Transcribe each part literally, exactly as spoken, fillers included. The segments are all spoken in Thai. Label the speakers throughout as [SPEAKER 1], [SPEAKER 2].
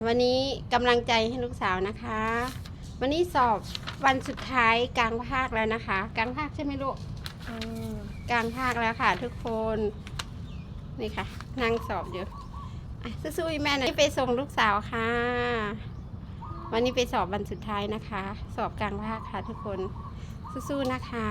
[SPEAKER 1] วันนี้กำลังใจให้ลูกสาวนะคะ วันนี้สอบวันสุดท้ายกลางภาคแล้วนะคะ กลางภาคใช่ไหมลูกกลางภาคแล้วค่ะทุกคนนี่ค่ะนั่งสอบอยู่สู้ๆแม่หน่อยไปส่งลูกสาวค่ะวันนี้ไปสอบวันสุดท้ายนะคะ สอบกลางภาคค่ะทุกคนสู้ๆนะคะ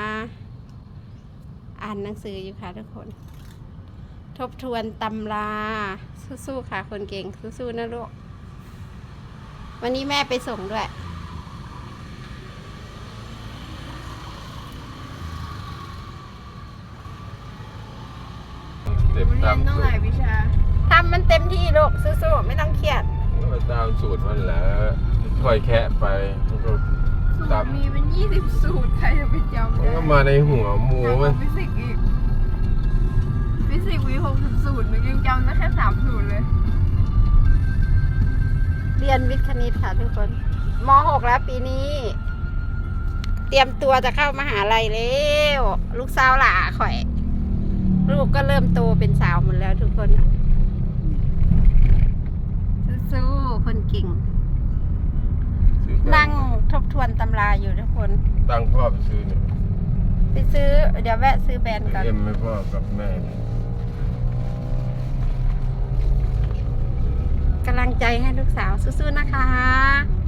[SPEAKER 1] อ่านหนังสืออยู่ค่ะทุกคนทบทวนตำราสู้ๆค่ะคนเก่งสู้ๆนะลูกวันนี้แม่ไปส่งด้วย
[SPEAKER 2] เต็มตามต้องหลายวิชา
[SPEAKER 1] ทำมันเต็มที่ลูกสู้ๆไม่ต้องเครียด
[SPEAKER 2] ตามสูตรมันแหละค่อยแคะไปก็
[SPEAKER 3] ตามมีเป็นยี่สิบสูตรใครจะไปจำได้
[SPEAKER 2] ก็มาในหัวหมูมัน
[SPEAKER 3] ฟิสิกส์อีกฟิสิกส์มีหกสิบสูตรหนูยังจำได้แค่สามสูตรเลย
[SPEAKER 1] เรียนวิทย์คณิตค่ะทุกคนม หกแล้วปีนี้ เตรียมตัวจะเข้ามหาลัยแล้วลูกสาวหล่าข่อยลูกก็เริ่มโตเป็นสาวหมดแล้วทุกคนสู้ๆคนเก่งนั่งทบทวนตำราอยู่ทุกคน
[SPEAKER 2] ตั้งพ่อไปซื้อเนี่ย
[SPEAKER 1] ไปซื้อเดี๋ยวแวะซื้อแบรนด์ก่อน
[SPEAKER 2] เอ็มไม่พ่อกับแม่
[SPEAKER 1] กำลังใจให้ลูกสาวสู้ๆนะคะ